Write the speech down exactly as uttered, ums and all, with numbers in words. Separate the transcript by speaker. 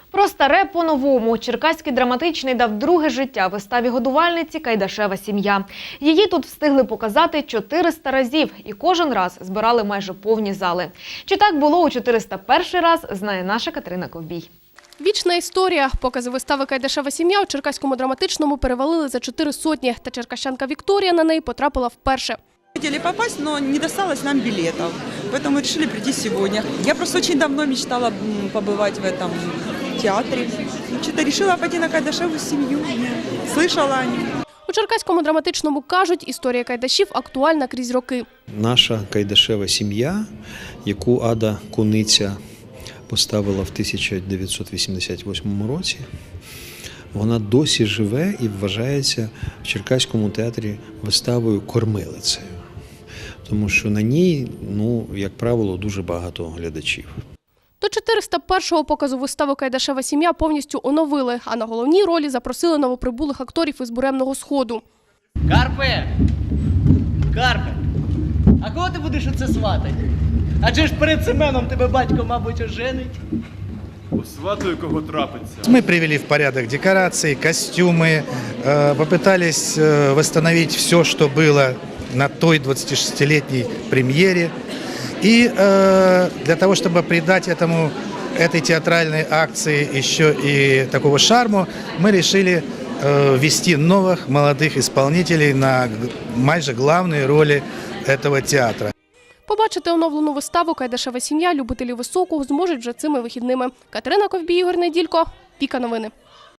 Speaker 1: Про старе по-новому. Черкаський драматичний дав друге життя виставі годувальниці «Кайдашева сім'я». Її тут встигли показати чотириста разів і кожен раз збирали майже повні зали. Чи так було у чотириста перший раз, знає наша Катерина Ковбій.
Speaker 2: Вічна історія. Покази вистави «Кайдашева сім'я» у Черкаському драматичному перевалили за чотири сотні. Та черкащанка Вікторія на неї потрапила вперше.
Speaker 3: Хотели попасть, но не досталось нам билетов, поэтому решили прийти сегодня. Я просто очень давно мечтала побывать в этом театре. Что-то решила пойти на «Кайдашеву семью», слышала о ней.
Speaker 2: У Черкаському драматичному кажуть, історія Кайдашів актуальна крізь роки.
Speaker 4: Наша Кайдашева сім'я, яку Ада Куниця поставила в тисяча дев'ятсот вісімдесят восьмому році, вона досі живе і вважається в Черкаському театрі виставою кормилицею. Тому що на ній, ну, як правило, дуже багато глядачів.
Speaker 2: До чотириста першого показу вистави «Кайдашева сім'я» повністю оновили, а на головній ролі запросили новоприбулих акторів із Буремного Сходу.
Speaker 5: Карпе! Карпе! А кого ти будеш оце сватати? Адже ж перед Семеном тебе батько, мабуть, оженить.
Speaker 6: Сватаю, кого трапиться.
Speaker 7: Мы привели в порядок декорации, костюмы, попытались восстановить все, что было на той двадцатишестилетней премьере. И для того, чтобы придать этому, этой театральной акции еще и такого шарму, мы решили ввести новых молодых исполнителей на майже главные роли этого театра.
Speaker 2: Побачити оновлену виставу «Кайдашева сім'я» любителі високого зможуть вже цими вихідними. Катерина Ковбій, Ігор Неділько, Віка Новини.